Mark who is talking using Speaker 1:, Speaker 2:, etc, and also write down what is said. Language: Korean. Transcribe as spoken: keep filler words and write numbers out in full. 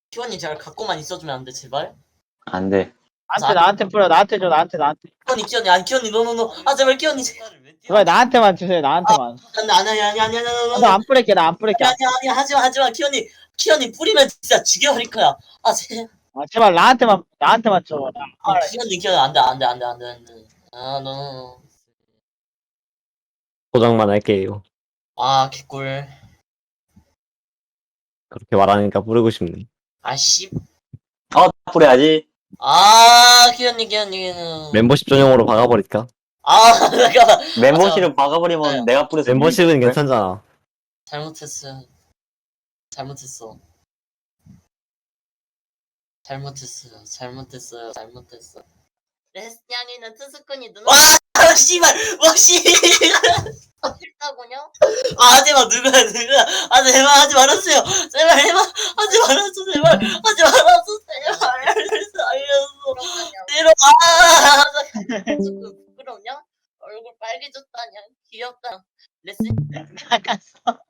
Speaker 1: 키원이 잘 갖고만 있어주면 안 돼 제발.
Speaker 2: 안 돼.
Speaker 3: 나한테 나한테 뿌려. 나한테 줘. 나한테 나한테.
Speaker 1: 키원이 키원이 아니 키원이 노노노 아 제발 키원이 제발.
Speaker 3: 제발 나한테만 주세요. 나한테만.
Speaker 1: 안돼 아니 아니 아니 아니 아니 아니
Speaker 3: 나 안 뿌릴게. 나 안 뿌릴게.
Speaker 1: 아니 아니 하지마 하지마 키원이 키원이 뿌리면 진짜 죽여버릴 거야. 아 제.
Speaker 3: 아, 제발 나한테만 나한테만 줘. 나
Speaker 1: 아 키원이 키원이 안돼 안돼 안돼 안돼 안돼. 아 노.
Speaker 4: 포장만 할게요.
Speaker 1: 아 개꿀.
Speaker 4: 그렇게 말하니까 부르고 싶네.
Speaker 1: 아씨.
Speaker 2: 어, 뿌려야지.
Speaker 1: 아 키원이 키원이.
Speaker 4: 멤버십 전용으로 박아버릴까?
Speaker 1: 아 잠깐만.
Speaker 2: 멤버십을 박아버리면
Speaker 1: 네.
Speaker 2: 내가 뿌려서.
Speaker 4: 멤버십은
Speaker 2: 이길 걸?
Speaker 4: 괜찮잖아.
Speaker 1: 잘못했어. 잘못했어. 잘못했어요. 잘못했어요. 잘못했어. 레스냥이는 트스꾼이 누나. 와 씨발 와 씨.
Speaker 5: 싫다고요?
Speaker 1: 아 하지마 누구야 누구야. 아 제발 하지 말았어요. 제발 해봐. 하지 말았어 제발. 하지 말았어 제발. 알렸어.
Speaker 5: 그러면요.
Speaker 1: 내려 아.
Speaker 5: 그 부끄럽냐? 얼굴 빨개졌다냐? 귀엽다. 레슨
Speaker 3: 나갔어.